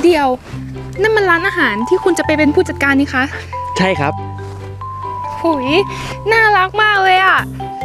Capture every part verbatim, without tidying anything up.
เดียวนั่นมันร้านอาหารที่คุณจะไปเป็นผู้จัดการนี่คะใช่ครับหุยน่ารักมากเลยอะ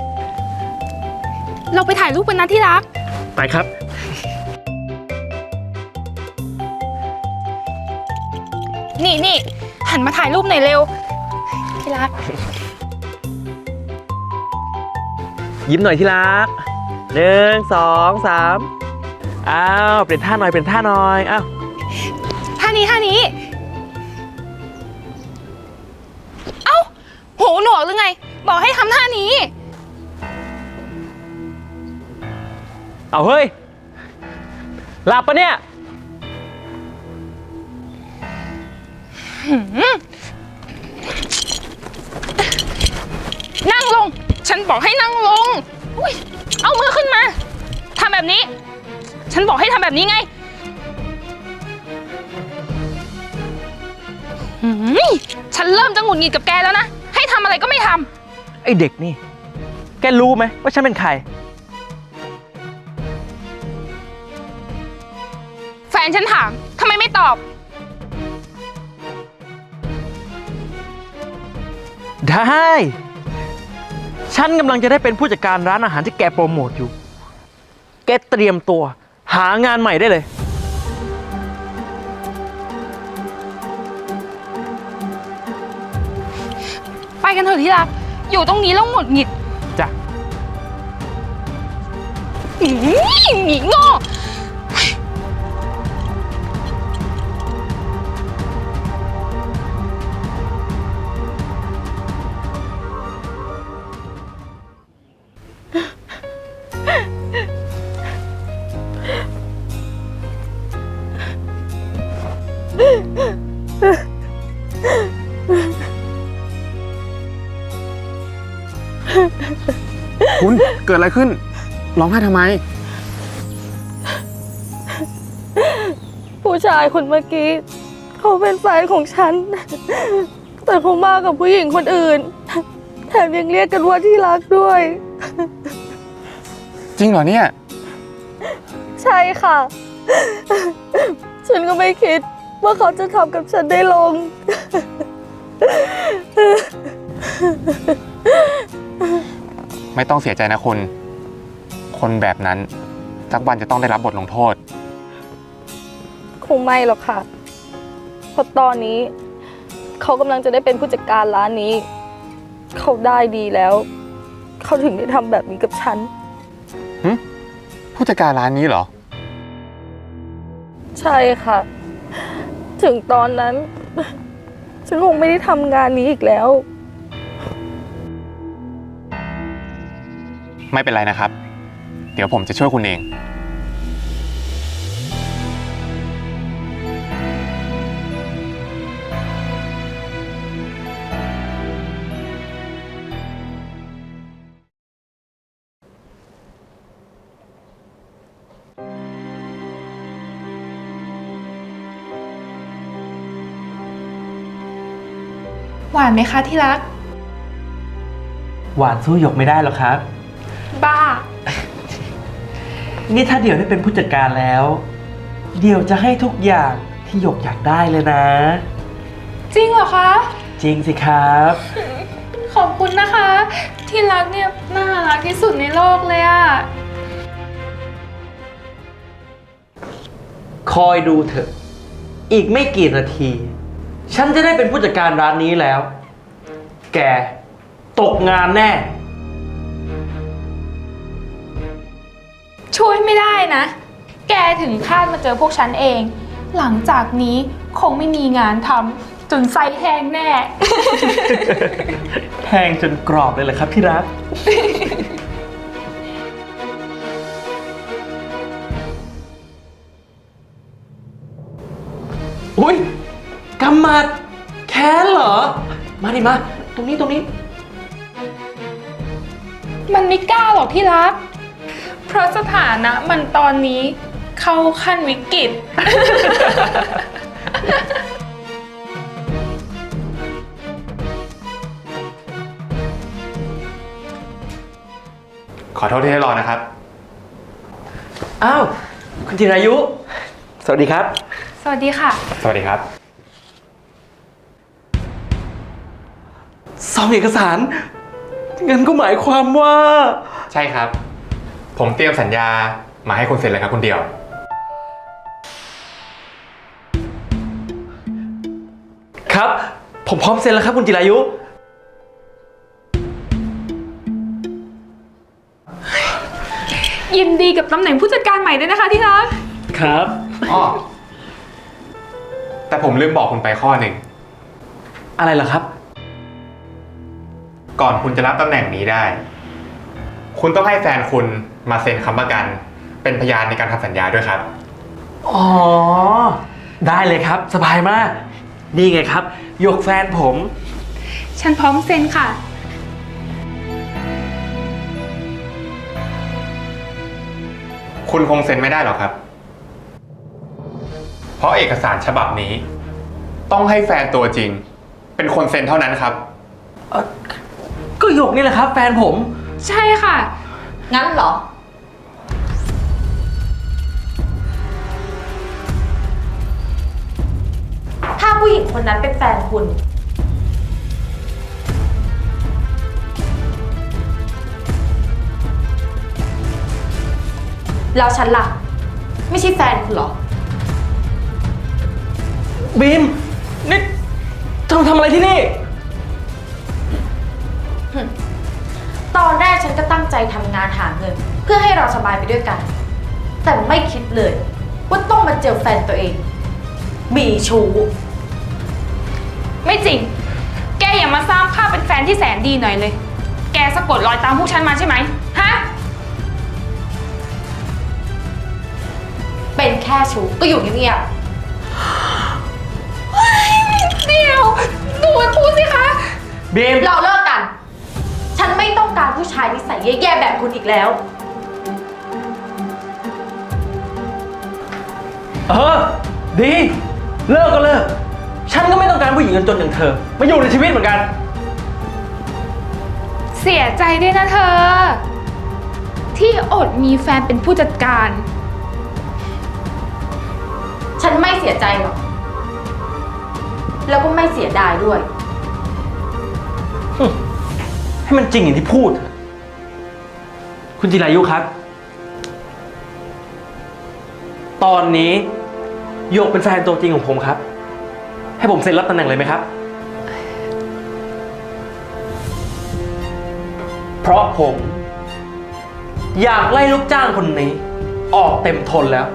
เราไปถ่ายรูปกันนะที่รักไปครับนี่นี่หันมาถ่ายรูปหน่อยเร็วที่รักยิ้มหน่อยที่รักหนึ่งสองสามอ้าวเปลี่ยนท่าหน่อยเปลี่ยนท่าหน่อยอ้าวท่านี้ท่านี้เอ้าหูหนวกหรือไงบอกให้ทำท่านี้เอาเฮ้ยหลับปะเนี่ยนั่งลงฉันบอกให้นั่งลงอุ๊ยเอามือขึ้นมาทำแบบนี้ฉันบอกให้ทำแบบนี้ไงฉันเริ่มจะหงุดหงิดกับแกแล้วนะให้ทำอะไรก็ไม่ทำไอเด็กนี่แกรู้ไหมว่าฉันเป็นใครแฟนฉันถามทำไมไม่ตอบได้ฉันกำลังจะได้เป็นผู้จัดการร้านอาหารที่แกโปรโมทอยู่แกเตรียมตัวหางานใหม่ได้เลยไปกันเถอะที่รักอยู่ตรงนี้แล้วหงุดหงิดจ้ะหนีโง่คุณเกิดอะไรขึ้นร้องไห้ทำไมผู้ชายคนเมื่อกี้เขาเป็นแฟนของฉันแต่เขามากับผู้หญิงคนอื่นแถมยังเรียกกันว่าที่รักด้วยจริงเหรอเนี่ยใช่ค่ะฉันก็ไม่คิดว่าเขาจะทำกับฉันได้ลงไม่ต้องเสียใจนะคุณคนแบบนั้นสักวันจะต้องได้รับบทลงโทษคงไม่หรอกค่ะเพราะตอนนี้เขากำลังจะได้เป็นผู้จัดการร้านนี้เขาได้ดีแล้วเขาถึงได้ทำแบบนี้กับฉันผู้จัดการร้านนี้เหรอใช่ค่ะถึงตอนนั้นฉันคงไม่ได้ทำงานนี้อีกแล้วไม่เป็นไรนะครับเดี๋ยวผมจะช่วยคุณเองหวานไหมคะที่รักหวานสู้หยกไม่ได้หรอกครับบ้านี่ถ้าเดี่ยวได้เป็นผู้จัดการแล้วเดี่ยวจะให้ทุกอย่างที่หยกอยากได้เลยนะจริงเหรอคะจริงสิครับขอบคุณนะคะที่รักเนี่ยน่ารักที่สุดในโลกเลยอะคอยดูเถอะอีกไม่กี่นาทีฉันจะได้เป็นผู้จัดการร้านนี้แล้วแกตกงานแน่ช่วยไม่ได้นะแกถึงคาดมาเจอพวกฉันเองหลังจากนี้คงไม่มีงานทำจนไส้แห้งแน่แห้งจนกรอบเลยเหรอครับที่รัก อุ้ยกำมัดแค้นเหรอมาดิมาตรงนี้ตรงนี้มันไม่กล้าหรอกที่รักเพราะสถานะมันตอนนี้เข้าขั้นวิกฤตขอโทษที่ให้รอนะครับอ้าวคุณจิรายุ สวัสดีครับสวัสดีค่ะสวัสดีครับซองเอกสารงั้นก็หมายความว่าใช่ครับ ผมเตรียมสัญญามาให้คุณเซ็นเลยครับคุณเดียวครับ ผมพร้อมเซ็นแล้วครับคุณจิรายุยินดีกับตำแหน่งผู้จัดการใหม่ด้วยนะคะที่รักครับอ้อ แต่ผมลืมบอกคุณไปข้อหนึ่งอะไรเหรอครับก่อนคุณจะรับตำแหน่งนี้ได้ คุณต้องให้แฟนคุณมาเซ็นค้ำประกัน เป็นพยานในการทำสัญญาด้วยครับอ๋อ ได้เลยครับ สบายมาก นี่ไงครับหยกแฟนผมฉันพร้อมเซ็นค่ะคุณคงเซ็นไม่ได้หรอกครับ เพราะเอกสารฉบับนี้ ต้องให้แฟนตัวจริง เป็นคนเซ็นเท่านั้นครับเอ่อก็หยกนี่แหละครับ แฟนผมใช่ค่ะงั้นเหรอ ถ้าผู้หญิงคนนั้นเป็นแฟนคุณ แล้วฉันล่ะ ไม่ใช่แฟนคุณเหรอบีม นี่เธอทำอะไรที่นี่ตอนแรกฉันก็ตั้งใจทำงานหาเงิน เพื่อให้เราสบายไปด้วยกัน แต่ไม่คิดเลย ว่าต้องมาเจอแฟนตัวเอง มีชู้ไม่จริง แกอย่ามาสร้างภาพเป็นแฟนที่แสนดีหน่อยเลย แกสะกดรอยตามพวกฉันมาใช่ไหมฮะเป็นแค่ชู้ก็อยู่เงียบเดี๋ยวดูมันพูดสิคะบีมๆเราเลิกกัน ฉันไม่ต้องการผู้ชายนิสัยแย่ๆแบบคุณอีกแล้วเออ ดี เลิกก็เลิก ฉันก็ไม่ต้องการผู้หญิงจนๆอย่างเธอ มาอยู่ในชีวิตเหมือนกันเสียใจด้วยนะเธอ ที่อดมีแฟนเป็นผู้จัดการฉันไม่เสียใจหรอก แล้วก็ไม่เสียดายด้วยให้มันจริงอย่างที่พูด คุณจิรายุครับ ตอนนี้หยกเป็นแฟนตัวจริงของผมครับ ให้ผมเซ็นรับตำแหน่งเลยไหมครับ เพราะผม อยากไล่ลูกจ้างคนนี้ ออกเต็มทนแล้ว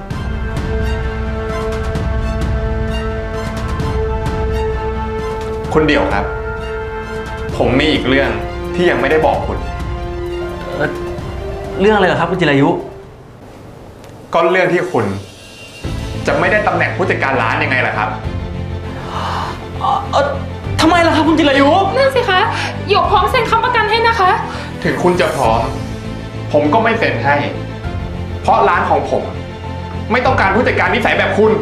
คุณเดี่ยวครับ ผมมีอีกเรื่องที่ยังไม่ได้บอกคุณเอ่อเรื่องอะไรเหรอครับคุณจิรายุก็เรื่องที่คุณ จะไม่ได้ตำแหน่งผู้จัดการร้านยังไงล่ะครับเออทำไมล่ะครับคุณจิรายุนั่นสิคะหยกพร้อมเซ็นค้ำประกันให้นะคะถึงคุณจะพร้อม ผมก็ไม่เซ็นให้ เพราะร้านของผม ไม่ต้องการผู้จัดการนิสัยแบบคุณ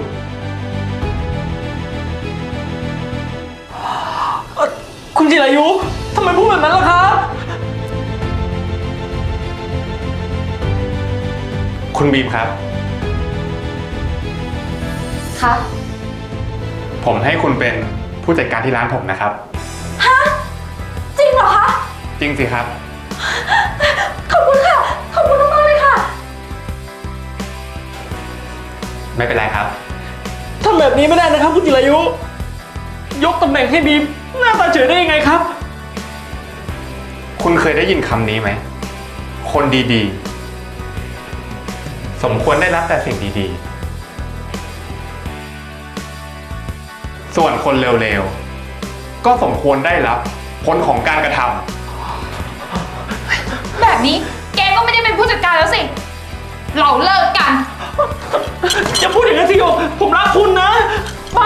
เอ่อคุณจิรายุทำไมพูดแบบนั้นล่ะครับคุณบีมครับคะผมให้คุณเป็นผู้จัดการที่ร้านผมนะครับจริงเหรอคะจริงสิครับขอบคุณค่ะ ขอบคุณมากๆเลยค่ะไม่เป็นไรครับทำแบบนี้ไม่ได้นะครับคุณจิรายุ ยกตำแหน่งให้บีมหน้าตาเฉยได้ยังไงครับคุณเคยได้ยินคำนี้ไหม คนดีๆ สมควรได้รับแต่สิ่งดีๆ ส่วนคนเร็วๆ ก็สมควรได้รับผลของการกระทำแบบนี้แกก็ไม่ได้เป็นผู้จัดการแล้วสิ เราเลิกกันอย่าพูดอย่างนั้นสิโยผมรักคุณนะไป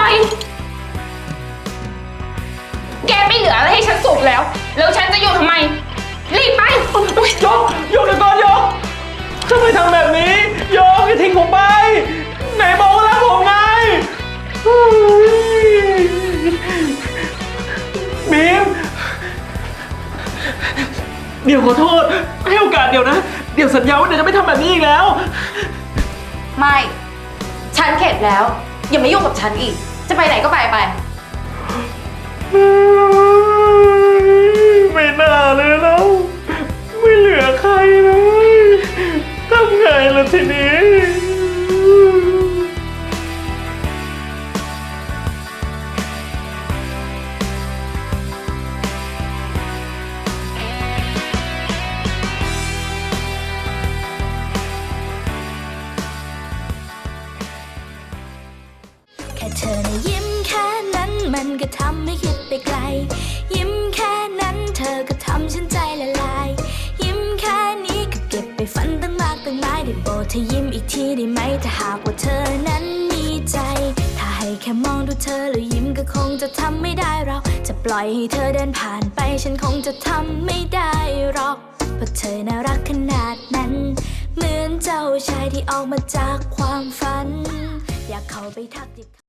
แกไม่เหลืออะไรให้ฉันสูบแล้ว แล้วฉันจะอยู่ทำไม รีบไปยกยกเดี๋ยวก่อนยกทำไมทำแบบนี้ยกอย่าทิ้งผมไป ไหนบอกว่ารักผมไงเฮ้ยบีม เดี๋ยวขอโทษ ให้โอกาสเดี๋ยวนะ เดี๋ยวสัญญาว่าเดี๋ยวจะไม่ทำแบบนี้อีกแล้วไม่ ฉฉันเข็ดแล้ว อย่ามายุ่งกับฉันอีก จะไปไหนก็ไปไปไม่น่าเลยแล้วไม่เหลือใครเลยทำไงล่ะทีนี้แค่เธอนะยิ้มแค่นั้นมันก็ทำให้คิดไปไกล ยิ้มแค่นั้นเธอก็ทำฉันใจละลาย ยิ้มแค่นี้ก็เก็บไปฝันตั้งมากตั้งหลายได้โปรดเธอยิ้มอีกทีได้ไหมถ้าหากว่าเธอนั้นมีใจ ถ้าให้แค่มองดูเธอแล้วยิ้มก็คงจะทำไม่ได้เราจะปล่อยให้เธอเดินผ่านไปฉันคงจะทำไม่ได้หรอกเพราะเธอน่ารักขนาดนั้นเหมือนเจ้าชายที่ออกมาจากความฝันอยากเข้าไปทักทิ